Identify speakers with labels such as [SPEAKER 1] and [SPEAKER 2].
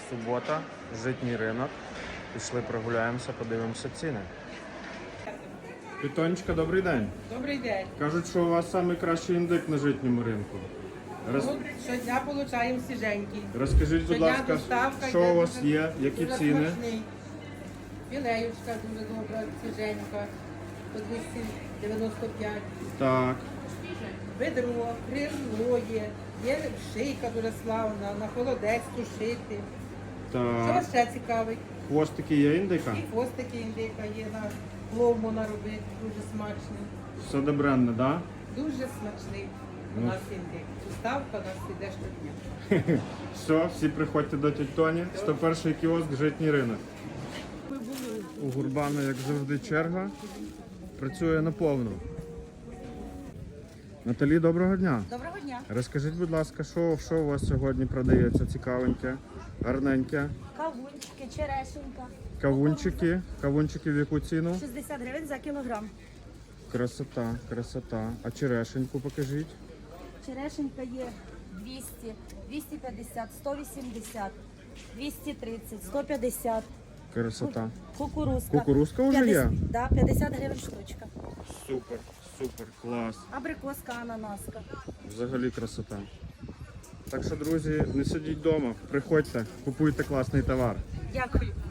[SPEAKER 1] Субота, житній ринок. Пішли прогуляємося, подивимося ціни. Вітонечка, добрий день.
[SPEAKER 2] Добрий день.
[SPEAKER 1] Кажуть, що у вас найкращий індик на житньому ринку.
[SPEAKER 2] Щодня отримуємо свіженький.
[SPEAKER 1] Розкажіть, будь
[SPEAKER 2] Щодня
[SPEAKER 1] ласка,
[SPEAKER 2] доставка
[SPEAKER 1] що
[SPEAKER 2] йде
[SPEAKER 1] у вас
[SPEAKER 2] дуже-
[SPEAKER 1] є, які
[SPEAKER 2] дуже
[SPEAKER 1] ціни?
[SPEAKER 2] смачний. Філеюшка дуже добра, свіженька, по 295.
[SPEAKER 1] Так,
[SPEAKER 2] Бедро, крило є шийка дуже славна, на холодець тушити. Що
[SPEAKER 1] так.
[SPEAKER 2] вас ще цікавить?
[SPEAKER 1] Хвостики є індика?
[SPEAKER 2] І хвостики індика є, на пловму наробити, дуже смачний.
[SPEAKER 1] Все добренне, да?
[SPEAKER 2] Дуже смачний у нас індик. Доставка у нас іде щодня.
[SPEAKER 1] Все, всі приходьте до тіть Тоні. 101-й кіоск, житній ринок. У Гурбана, як завжди, черга. Працює наповну. Наталі, доброго дня.
[SPEAKER 3] Доброго дня.
[SPEAKER 1] Розкажіть, будь ласка, що у вас сьогодні продається цікавеньке, гарненьке?
[SPEAKER 3] Кавунчики, черешенька.
[SPEAKER 1] Кавунчики в яку ціну?
[SPEAKER 3] 60 гривень за кілограм.
[SPEAKER 1] Красота, красота. А черешеньку покажіть.
[SPEAKER 3] Черешенька є 200, 250, 180, 230, 150.
[SPEAKER 1] Красота.
[SPEAKER 3] Кукурузка.
[SPEAKER 1] Кукурузка вже є?
[SPEAKER 3] Да, 50 гривень штучка.
[SPEAKER 1] Супер, супер, клас.
[SPEAKER 3] Абрикоска, ананаска.
[SPEAKER 1] Взагалі красота. Так що, друзі, не сидіть вдома, приходьте, купуйте класний товар.
[SPEAKER 3] Дякую.